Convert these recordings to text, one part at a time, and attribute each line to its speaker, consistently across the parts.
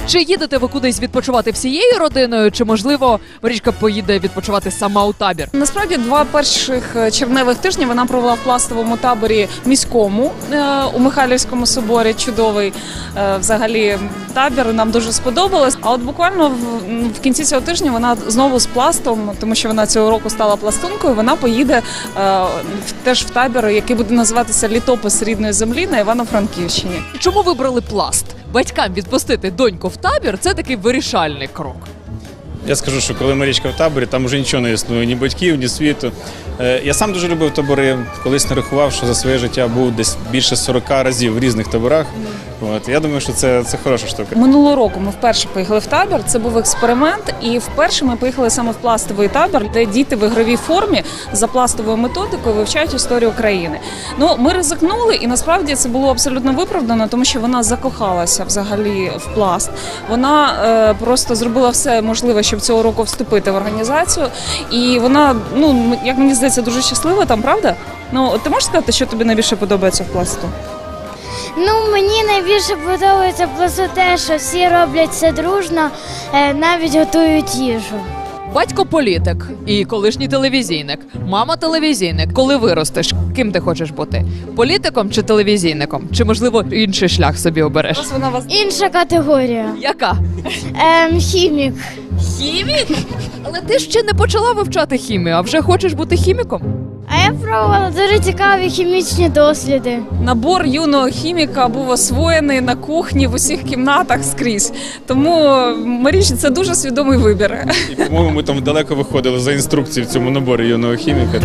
Speaker 1: Чи їдете ви кудись відпочивати всією родиною, чи, можливо, Марічка поїде відпочивати сама у табір?
Speaker 2: Насправді, 2 перших червневих тижні вона провела в пластовому таборі міському у Михайлівському соборі. Чудовий взагалі табір, нам дуже сподобалось. А от буквально в кінці цього тижня вона знову з пластом, тому що вона цього року стала пластункою, вона поїде теж в табір, який буде називатися «Літопис рідної землі» на Івано-Франківщині.
Speaker 1: Чому вибрали пласт? Батькам відпустити доньку в табір – це такий вирішальний крок.
Speaker 3: Я скажу, що коли Марічка в таборі, там вже нічого не існує, ні батьків, ні світу. Я сам дуже любив табори, колись нарахував, що за своє життя був десь більше 40 разів в різних таборах. Я думаю, що це хороша штука.
Speaker 2: Минулого року ми вперше поїхали в табір, це був експеримент, і вперше ми поїхали саме в пластовий табір, де діти в ігровій формі за пластовою методикою вивчають історію країни. Ну, ми ризикнули, і насправді це було абсолютно виправдано, тому що вона закохалася взагалі в пласт. Вона просто зробила все можливе, щоб цього року вступити в організацію, і вона, ну, як мені здається, дуже щаслива там, правда? Ну, ти можеш сказати, що тобі найбільше подобається в пласту?
Speaker 4: Ну, мені найбільше подобається просто те, що всі роблять це дружно, навіть готують їжу.
Speaker 1: Батько політик і колишній телевізійник, мама телевізійник. Коли виростеш, ким ти хочеш бути? Політиком чи телевізійником? Чи, можливо, інший шлях собі обереш?
Speaker 2: Ось вона вас...
Speaker 4: Інша категорія.
Speaker 1: Яка?
Speaker 4: Хімік.
Speaker 1: Хімік? Але ти ще не почала вивчати хімію, а вже хочеш бути хіміком?
Speaker 4: А я пробувала дуже цікаві хімічні досліди.
Speaker 2: Набор юного хіміка був освоєний на кухні в усіх кімнатах скрізь. Тому, Марічі, це дуже свідомий вибір.
Speaker 3: І, по-моєму, ми там далеко виходили за інструкції в цьому наборі юного хіміка.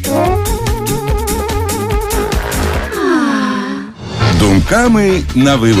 Speaker 5: Думками на вилот.